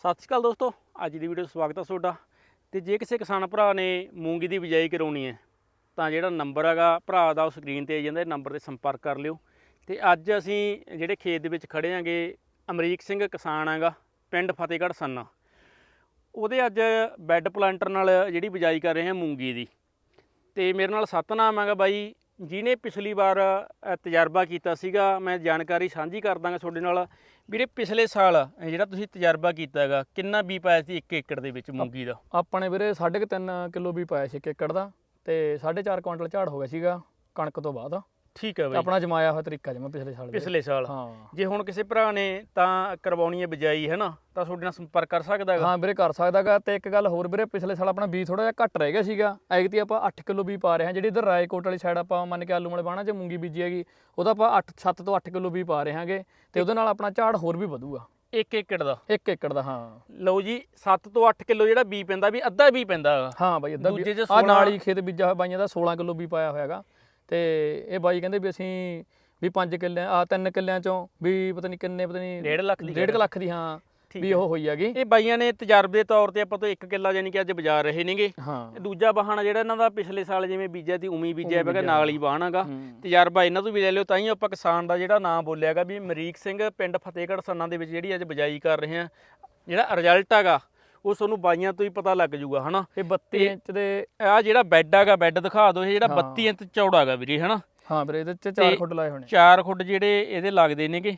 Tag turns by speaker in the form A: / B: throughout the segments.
A: ਸਤਿ ਸ਼੍ਰੀ ਅਕਾਲ ਦੋਸਤੋ, ਅੱਜ ਦੀ ਵੀਡੀਓ ਸਵਾਗਤ ਹੈ ਤੁਹਾਡਾ। ਤੇ ਜੇ ਕਿਸੇ ਕਿਸਾਨ ਭਰਾ ਨੇ ਮੂੰਗੀ ਦੀ ਬਿਜਾਈ ਕਰਾਉਣੀ ਹੈ ਤਾਂ ਜਿਹੜਾ ਨੰਬਰ ਹੈਗਾ ਭਰਾ ਦਾ ਉਹ ਸਕਰੀਨ ਤੇ ਆ ਜਾਂਦਾ, ਨੰਬਰ ਤੇ ਸੰਪਰਕ ਕਰ ਲਿਓ। ਤੇ ਅੱਜ ਅਸੀਂ ਜਿਹੜੇ ਖੇਤ ਦੇ ਵਿੱਚ ਖੜੇ ਆਂਗੇ, ਅਮਰੀਕ ਸਿੰਘ ਕਿਸਾਨ ਹੈਗਾ, ਪਿੰਡ ਫਤਿਹਗੜ੍ਹ ਸੰਨਾ। ਉਹਦੇ ਅੱਜ ਬੈੱਡ ਪਲਾਂਟਰ ਨਾਲ ਜਿਹੜੀ ਬਿਜਾਈ ਕਰ ਰਹੇ ਹਾਂ ਮੂੰਗੀ ਦੀ। ਤੇ ਮੇਰੇ ਨਾਲ ਸਤਨਾਮ ਹੈਗਾ ਬਾਈ, ਜਿਹਨੇ ਪਿਛਲੀ ਵਾਰ ਤਜਰਬਾ ਕੀਤਾ ਸੀਗਾ। ਮੈਂ ਜਾਣਕਾਰੀ ਸਾਂਝੀ ਕਰ ਦਾਂਗਾ ਤੁਹਾਡੇ ਨਾਲ। ਵੀਰੇ ਪਿਛਲੇ ਸਾਲ ਜਿਹੜਾ ਤੁਸੀਂ ਤਜਰਬਾ ਕੀਤਾ ਹੈਗਾ, ਕਿੰਨਾ ਬੀ ਪਾਇਆ ਸੀ 1 ਏਕੜ ਦੇ ਵਿੱਚ ਮੂੰਗੀ ਦਾ?
B: ਆਪਣੇ ਵੀਰੇ 3.5 ਕਿਲੋ ਵੀ ਪਾਇਆ ਸੀ 1 ਏਕੜ ਦਾ, ਤੇ 4.5 ਕੁਇੰਟਲ ਝਾੜ ਹੋ ਗਿਆ ਸੀਗਾ ਕਣਕ ਤੋਂ ਬਾਅਦ।
A: ਠੀਕ ਹੈ ਬਾਈ,
B: ਆਪਣਾ ਜਮਾਇਆ ਹੋਇਆ ਤਰੀਕਾ ਜਮਾ ਪਿਛਲੇ ਸਾਲ
A: ਹਾਂ। ਜੇ ਹੁਣ ਕਿਸੇ ਭਰਾ ਨੇ ਤਾਂ ਕਰਵਾਉਣੀ ਹੈ ਬਿਜਾਈ ਹੈ ਨਾ, ਤਾਂ ਤੁਹਾਡੇ ਨਾਲ ਸੰਪਰਕ ਕਰ ਸਕਦਾ ਹੈਗਾ।
B: ਹਾਂ ਵੀਰੇ ਕਰ ਸਕਦਾਗਾ। ਤੇ ਇੱਕ ਗੱਲ ਹੋਰ ਵੀਰੇ, ਪਿਛਲੇ ਸਾਲ ਆਪਣਾ ਬੀਜ ਥੋੜਾ ਜਿਹਾ ਘੱਟ ਰਹਿ ਗਿਆ ਸੀਗਾ। ਐਗਤੀ ਆਪਾਂ 8 ਕਿਲੋ ਵੀ ਪਾ ਰਹੇ ਹਾਂ। ਜਿਹੜੀ ਇਧਰ ਰਾਏਕੋਟ ਵਾਲੀ ਸਾਈਡ ਆਪਾਂ ਮੰਨ ਕੇ ਆਲੂ ਵਾਲੇ ਬਾਣਾ 'ਚ ਮੂੰਗੀ ਬੀਜੀ ਹੈਗੀ, ਉਹਦਾ ਆਪਾਂ 7 ਤੋਂ 8 ਕਿਲੋ ਵੀ ਪਾ ਰਹੇ ਹਾਂਗੇ। ਤੇ ਉਹਦੇ ਨਾਲ ਆਪਣਾ ਝਾੜ ਹੋਰ ਵੀ ਵਧੂਗਾ
A: 1 ਏਕੜ ਦਾ।
B: 1 ਏਕੜ ਦਾ, ਹਾਂ।
A: ਲਓ ਜੀ, 7 ਤੋਂ 8 ਕਿਲੋ ਜਿਹੜਾ ਬੀ ਪੈਂਦਾ, ਵੀ ਅੱਧਾ ਵੀ ਪੈਂਦਾ ਹੈਗਾ।
B: ਹਾਂ ਬਾਈ, ਅੱਧਾ
A: ਦੂਜੇ 'ਚ
B: ਆ ਨਾਲ ਹੀ ਖੇਤ ਬੀਜਾ ਹੋਇਆ ਬਾਈਆਂ ਦਾ 16 ਕਿਲੋ ਵੀ ਪਾਇਆ ਹੋਇਆ ਹੈਗਾ। ਤੇ ਇਹ ਬਾਈ ਕਹਿੰਦੇ ਵੀ ਅਸੀਂ ਵੀ 5 ਕਿੱਲਿਆਂ 3 ਕਿੱਲਿਆਂ ਚੋਂ ਵੀ ਪਤਾ ਨਹੀਂ ਕਿੰਨੇ, ਪਤਾ ਨਹੀਂ 1.5 ਲੱਖ ਦੀ, ਹਾਂ ਵੀ ਉਹ ਹੋਈ ਹੈਗੀ।
A: ਇਹ ਬਾਈਆਂ ਨੇ ਤਜਰਬੇ ਦੇ ਤੌਰ ਤੇ ਆਪਾਂ ਤੋਂ 1 ਕਿੱਲਾ ਯਾਨੀ ਕਿ ਅੱਜ ਬਾਜ਼ਾਰ ਰਹੇ ਨੇਗੇ।
B: ਹਾਂ।
A: ਦੂਜਾ ਬਾਹਣਾ ਜਿਹੜਾ ਇਹਨਾਂ ਦਾ ਪਿਛਲੇ ਸਾਲ ਜਿਵੇਂ ਬੀਜਿਆ ਸੀ ਉਮੀ ਬੀਜਿਆ ਹੈਗਾ, ਨਾਲ ਹੀ ਬਾਹਣਾਗਾ। ਤਜਰਬਾ ਇਹਨਾਂ ਤੋਂ ਵੀ ਲੈ ਲਿਓ। ਤਾਂ ਹੀ ਆਪਾਂ ਕਿਸਾਨ ਦਾ ਜਿਹੜਾ ਨਾਮ ਬੋਲਿਆਗਾ ਵੀ ਅਮਰੀਕ ਸਿੰਘ, ਪਿੰਡ ਫਤਿਹਗੜ੍ਹ ਸੰਨਾ ਦੇ ਵਿੱਚ ਜਿਹੜੀ ਅੱਜ ਬਿਜਾਈ ਕਰ ਰਹੇ ਆ। ਜਿਹੜਾ ਰਿਜ਼ਲਟ ਹੈਗਾ ਉਹ ਤੁਹਾਨੂੰ ਬਾਈਆਂ ਤੋਂ ਹੀ ਪਤਾ ਲੱਗ ਜੂਗਾ, ਹਨਾ।
B: ਇਹ 32 ਇੰਚ ਦੇ
A: ਆ ਜਿਹੜਾ ਬੈੱਡ ਹੈਗਾ, ਬੈੱਡ ਦਿਖਾ ਦਿਓ। ਇਹ ਜਿਹੜਾ 32 ਇੰਚ ਚੌੜਾ ਹੈਗਾ ਵੀਰੇ, ਹਨਾ।
B: ਹਾਂ ਵੀਰੇ, ਇਹਦੇ 'ਚ 4 ਖੁੱਡ ਲਾਏ ਹੋਣੇ।
A: 4 ਖੁੱਡ ਜਿਹੜੇ ਇਹਦੇ ਲੱਗਦੇ ਨੇਗੇ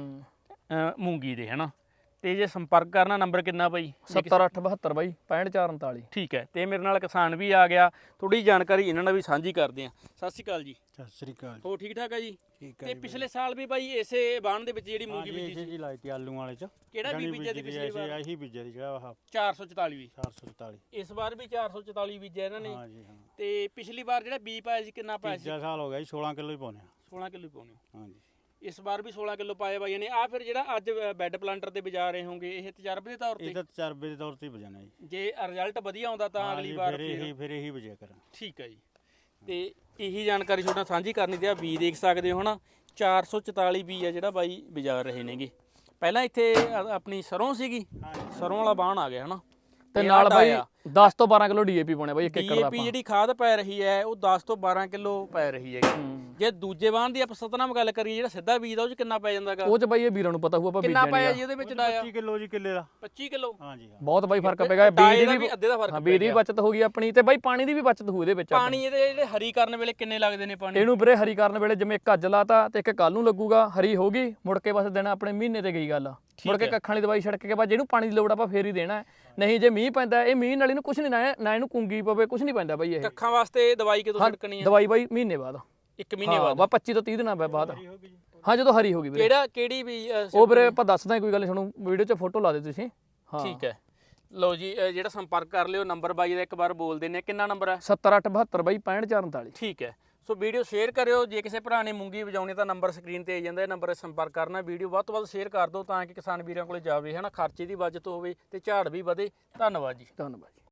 A: ਮੂੰਗੀ ਦੇ, ਹਨਾ। ਤੇ ਜੇ ਸੰਪਰਕ ਕਰਨਾ, ਨੰਬਰ ਕਿੰਨਾ ਬਾਈ?
B: 70872 ਬਾਈ 65439।
A: ਠੀਕ ਹੈ। ਤੇ ਮੇਰੇ ਨਾਲ ਕਿਸਾਨ ਵੀ ਆ ਗਿਆ, ਥੋੜੀ ਜਾਣਕਾਰੀ ਇਹਨਾਂ ਨਾਲ ਵੀ ਸਾਂਝੀ ਕਰਦੇ ਆ। ਸਤਿ ਸ਼੍ਰੀ ਅਕਾਲ ਜੀ।
C: ਸਤਿ ਸ੍ਰੀ ਅਕਾਲ।
A: ਹੋ ਠੀਕ ਠਾਕ ਹੈ ਜੀ?
C: ਠੀਕ ਹੈ।
A: ਤੇ ਪਿਛਲੇ ਸਾਲ ਵੀ ਬਾਈ ਇਸੇ ਬਾਣ ਦੇ ਵਿੱਚ ਜਿਹੜੀ ਮੂੰਗੀ ਬੀਜੀ ਸੀ,
C: ਜੀ ਲਾਈ ਤੀ ਆਲੂ ਵਾਲੇ ਚ।
A: ਕਿਹੜਾ ਬੀਜ ਬੀਜਿਆ ਸੀ ਪਿਛਲੀ ਵਾਰ?
C: ਇਹੀ ਬੀਜਿਆ ਸੀ ਜਿਹੜਾ ਆਹ
A: 444 ਵੀ।
C: 444।
A: ਇਸ ਵਾਰ ਵੀ 444 ਬੀਜਿਆ ਇਹਨਾਂ ਨੇ।
C: ਹਾਂ ਜੀ, ਹਾਂ।
A: ਤੇ ਪਿਛਲੀ ਵਾਰ ਜਿਹੜਾ ਬੀ ਪਾਇਆ ਸੀ ਕਿੰਨਾ ਪਾਇਆ ਸੀ?
C: ਤੀਜਾ ਸਾਲ ਹੋ ਗਿਆ ਜੀ, 16 ਕਿਲੋ ਹੀ ਪਾਉਣੇ ਆ।
A: 16 ਕਿਲੋ ਹੀ ਪਾਉਣੇ।
C: ਹਾਂ ਜੀ।
A: ਇਸ ਵਾਰ ਵੀ 16 ਕਿਲੋ ਪਾਏ ਬਾਈਆਂ ਨੇ। ਆ ਫਿਰ ਜਿਹੜਾ ਅੱਜ ਬੈੱਡ ਪਲਾਂਟਰ ਤੇ ਬਜਾ ਰਹੇ ਹੋਗੇ, ਇਹ ਤਜਰਬੇ ਦੇ ਤੌਰ ਤੇ?
C: ਇਹਦਾ ਤਜਰਬੇ ਦੇ ਤੌਰ ਤੇ ਹੀ ਬਜਾਣਾ ਜੀ।
A: ਜੇ ਰਿਜ਼ਲਟ ਵਧੀਆ ਆਉਂਦਾ ਤਾਂ ਅਗਲੀ ਵਾਰ
C: ਫਿਰ ਇਹੀ ਬਜਿਆ ਕਰਾਂ।
A: ਠੀਕ ਹੈ ਜੀ। ਤੇ ਇਹੀ ਜਾਣਕਾਰੀ ਤੁਹਾਡੇ ਨਾਲ ਸਾਂਝੀ ਕਰਨੀ ਤੇ ਆ ਬੀ ਦੇਖ ਸਕਦੇ ਹੋ, ਹਨਾ। 444 ਬੀ ਆ ਜਿਹੜਾ ਬਾਈ ਬਾਜ਼ਾਰ ਰਹੇ ਨੇਗੇ। ਪਹਿਲਾਂ ਇੱਥੇ ਆਪਣੀ ਸਰੋਂ ਸੀਗੀ, ਸਰੋਂ ਵਾਲਾ ਬਾਣ ਆ ਗਿਆ, ਹਨਾ।
B: ਤੇ ਨਾਲ ਬਾਈ 10 ਤੋਂ 12 ਕਿਲੋ ਡੀਏਪੀ ਪਾਉਣੇ ਬਾਈ 1 ਏਕੜ ਦਾ।
A: ਡੀਏਪੀ ਜਿਹੜੀ ਖਾਦ ਪੈ ਰਹੀ ਹੈ ਉਹ 10 ਤੋਂ 12 ਕਿਲੋ ਪੈ ਰਹੀ ਹੈ। ਜੇ ਦੂਜੇ ਬਾਣ ਦੀ ਆਪਾਂ ਸਤਨਾਮ ਗੱਲ ਕਰੀਏ, ਜਿਹੜਾ ਸਿੱਧਾ ਬੀਜ ਦਾ, ਉਹ 'ਚ ਕਿੰਨਾ ਪੈ ਜਾਂਦਾਗਾ?
B: ਉਹ 'ਚ ਬਾਈ ਇਹ ਵੀਰਾਂ ਨੂੰ ਪਤਾ ਹੋਊ, ਆਪਾਂ
A: ਕਿੰਨਾ
B: ਬੀਜਿਆ
A: ਪਾਇਆ ਜੀ ਉਹਦੇ ਵਿੱਚ ਡਾਇਆ?
C: 25 ਕਿਲੋ ਜੀ ਕਿੱਲੇ ਦਾ।
A: 25 ਕਿਲੋ?
C: ਹਾਂ ਜੀ, ਹਾਂ।
B: ਬਹੁਤ ਬਾਈ ਫਰਕ ਪੈਗਾ। ਬੀਜ ਦੀ
A: ਵੀ ਅੱਧੇ ਦਾ ਫਰਕ।
B: ਹਾਂ, ਬੀਜ ਦੀ ਬਚਤ ਹੋ ਗਈ ਆਪਣੀ। ਤੇ ਬਾਈ ਪਾਣੀ ਦੀ ਵੀ ਬਚਤ ਹੋਊ ਇਹਦੇ ਵਿੱਚ।
A: ਪਾਣੀ ਇਹਦੇ ਜਿਹੜੇ ਹਰੀ ਕਰਨ ਵੇਲੇ ਕਿੰਨੇ ਲੱਗਦੇ ਨੇ ਪਾਣੀ?
B: ਇਹਨੂੰ ਵੀਰੇ ਹਰੀ ਕਰਨ ਵੇਲੇ ਜਿਵੇਂ ਇੱਕ ਅੱਜ ਲਾਤਾ ਤੇ ਇੱਕ ਕੱਲ ਨੂੰ ਲੱਗੂਗਾ। ਹਰੀ ਹੋ ਗਈ, ਮੁੜ ਕੇ ਬਸ ਦੇਣਾ ਆਪਣੇ ਮਹੀਨੇ ਤੇ ਗਈ ਗੱਲ। ਮੁੜ ਕੇ ਕੱਖਾਂ ਵਾਲੀ ਦਵਾਈ ਛਿੜਕ ਕੇ ਬਾਅਦ ਜਿਹਨੂੰ ਪਾਣੀ ਦੀ ਲੋੜ ਆਪਾਂ ਫੇਰ ਹੀ ਦੇਣਾ। ਨਹੀਂ ਜੇ ਮੀਂਹ ਪੈਂਦਾ, ਇਹ ਮੀਂਹ ਨਾਲ ਇਹਨੂੰ ਕੁਝ ਨਹੀਂ ਨਾ ਇਹਨੂੰ ਕੁੰਗੀ ਪਵੇ, ਕੁਝ ਨਹੀਂ ਪੈਂਦਾ ਬਾਈ। ਇਹ
A: ਕੱਖਾਂ ਵਾਸਤੇ ਦਵਾਈ ਕਿਦੋਂ ਛਿੜਕਣੀ ਹੈ?
B: ਦਵਾਈ ਬਾਈ ਮਹੀਨੇ ਬਾਅਦ।
A: 1 ਮਹੀਨੇ ਬਾਅਦ?
B: ਬਾ 25 ਤੋਂ 30 ਦਿਨਾਂ ਬਾਅਦ। ਹਾਂ, ਜਦੋਂ ਹਰੀ ਹੋ ਗਈ ਵੀਰੇ।
A: ਕਿਹੜੀ ਵੀ
B: ਉਹ ਵੀਰੇ ਆਪਾਂ ਦੱਸਦਾ, ਕੋਈ ਗੱਲ ਨਹੀਂ, ਤੁਹਾਨੂੰ ਵੀਡੀਓ 'ਚ ਫੋਟੋ ਲਾ ਦੇ ਤੁਸੀਂ। ਹਾਂ
A: ਠੀਕ ਹੈ। ਲਓ ਜੀ, ਜਿਹੜਾ ਸੰਪਰਕ ਕਰ ਲਿਓ। ਨੰਬਰ ਬਾਈ ਦਾ ਇੱਕ ਵਾਰ ਬੋਲ ਦਿੰਦੇ ਆ, ਕਿੰਨਾ ਨੰਬਰ ਹੈ?
B: 70872 ਬਾਈ 65439।
A: ਠੀਕ ਹੈ। ਸੋ ਵੀਡੀਓ ਸ਼ੇਅਰ ਕਰਿਓ। ਜੇ ਕਿਸੇ ਭਰਾ ਨੇ ਮੂੰਗੀ ਵਜਾਉਣੀ ਤਾਂ ਨੰਬਰ ਸਕਰੀਨ ਤੇ ਆ ਜਾਂਦਾ, ਇਹ ਨੰਬਰ 'ਤੇ ਸੰਪਰਕ ਕਰਨਾ। ਵੀਡੀਓ ਵੱਧ ਤੋਂ ਵੱਧ ਸ਼ੇਅਰ ਕਰ ਦਿਓ ਤਾਂ ਕਿ ਕਿਸਾਨ ਵੀਰਾਂ ਕੋਲੇ ਜਾਵੇ, ਹਨਾ। ਖਰਚੇ ਦੀ ਬਚਤ ਹੋਵੇ ਤੇ ਝਾੜ ਵੀ ਵਧੇ। ਧੰਨਵਾਦ ਜੀ।
B: ਧੰਨਵਾਦ।